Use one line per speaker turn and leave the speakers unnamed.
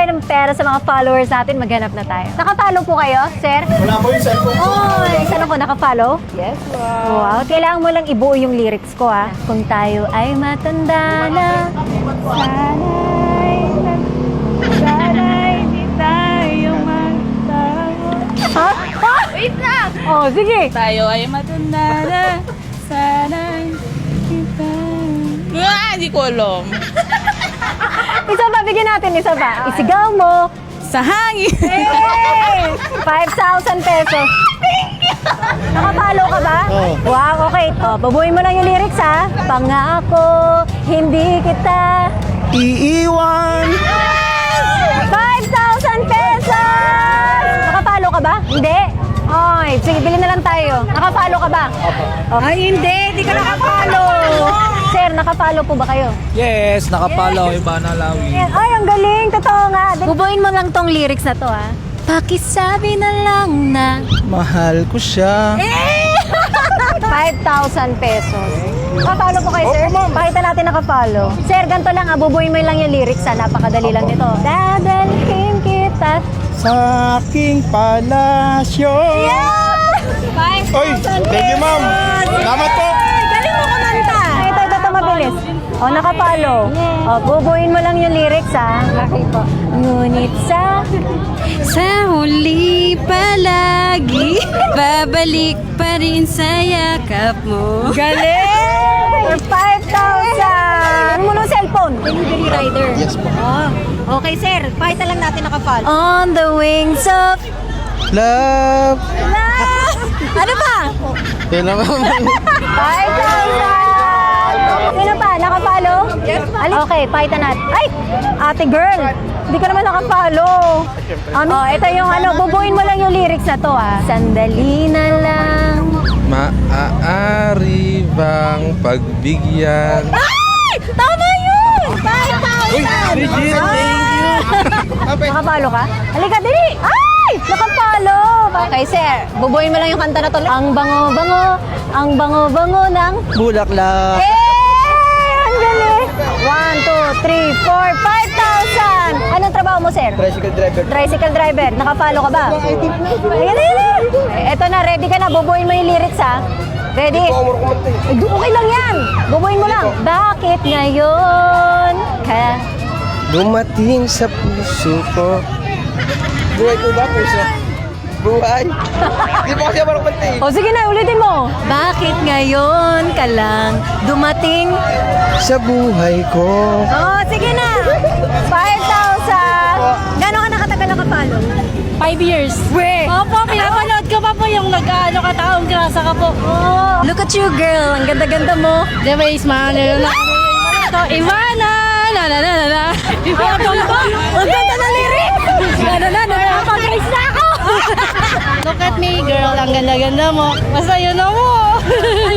ng pera sa mga followers natin, maghanap na tayo. Nakapollow po kayo, sir?
Wala po yung cellphone ko.
Oh, isa ko nakapollow?
Yes,
Wow, kailangan mo lang ibuo yung lyrics ko ha. Kung tayo ay matanda na, sana'y di tayo magtago. Ha? Ha?
Wait lang!
Oh, sige.
Tayo ay matanda na. Sana kita. Hindi ko alam.
Isa pa, bigyan natin isa pa. Isigaw mo.
Sa hangin.
Hey! 5,000 pesos. Thank you! Nakapalo ka ba?
Oo.
Wow, okay. O, babuhin mo lang yung lyrics ha. Pangako, hindi kita.
Iiwan.
5,000 pesos! Nakapalo ka ba? Hindi. Ay, sige, bilhin na lang tayo. Nakapalo ka ba? Opo. Ay, hindi ka nakapalo. Sir, nakapalo po ba kayo?
Yes, nakapalaw. Iba na lawi.
Ay, ang galing. Totoo nga. Bubuin mo lang tong lyrics na to, ha? Pakisabi na lang na...
Mahal ko siya.
5,000 pesos. Nakapalo po kayo, sir?
Opo, ma'am.
Pakita natin nakapalo. Sir, ganito lang, bubuin mo lang yung lyrics, ha? Napakadali lang nito. Dadalhin kita.
Sa aking palasyo.
Yeah!
Oy, thank you, ma'am. Salamat po.
Galing mo kumanta. Ito, mabilis. O, nakapalo. O, bubuin mo lang yung lyrics, ha? Okay po. Ngunit sa
huli palagi, babalik pa rin sa yakap mo.
galing! For 5,000! Ano mo ng cellphone? Delivery rider.
Yes po.
Oh. Okay, sir. Pakita lang natin nakapalo. On the wings of
Love.
love. Ano pa?
Yan naman.
5,000! Sino pa? Nakapalo? Yes, pa. Okay, pakita natin. Ay! Ate girl! Hindi ka naman nakapalo. Ito yung bubuin mo lang yung lyrics na to, ha. Sandali na lang.
Maaari bang pagbigyan?
Ay! Tama yun! 5,000!
Bridget,
Nakapalo ka? Halika, dali! Ay! Nakapalo! Okay, sir. Bubuin mo lang yung kanta na to. Ang bango-bango ng...
Bulaklak.
Eh! Ang galing! 1, 2, 3, 4, 5,000! Anong trabaho mo, sir?
Tricycle driver.
Tricycle driver. Nakapalo ka ba? Ayan. Eto na, ready ka na. Bubuin mo yung lyrics, ha? Ready? Okay lang yan. Bubuin mo lang. Bakit ngayon ka...
Dumating sa puso ko. Buhay ko ba, puso? Buhay. Hindi po kasi marunong kumanta eh.
O sige na, ulitin mo. Bakit ngayon ka lang dumating?
Sa buhay ko.
Oh, sige na. 5,000. Gano'n ka nakatagal nakapalo?
5 years.
We.
Opo, pinapanood ko pa po yung nag-ano ka taong grasa ka po.
Oh, look at you, girl. Ang ganda-ganda mo.
Di ba, Ismael? Ito, Ivana! La la la la la.
Ang ganda na lyric.
Napag-raise na ako! Look at me, girl. Ang ganda-ganda mo. Basta yun na mo.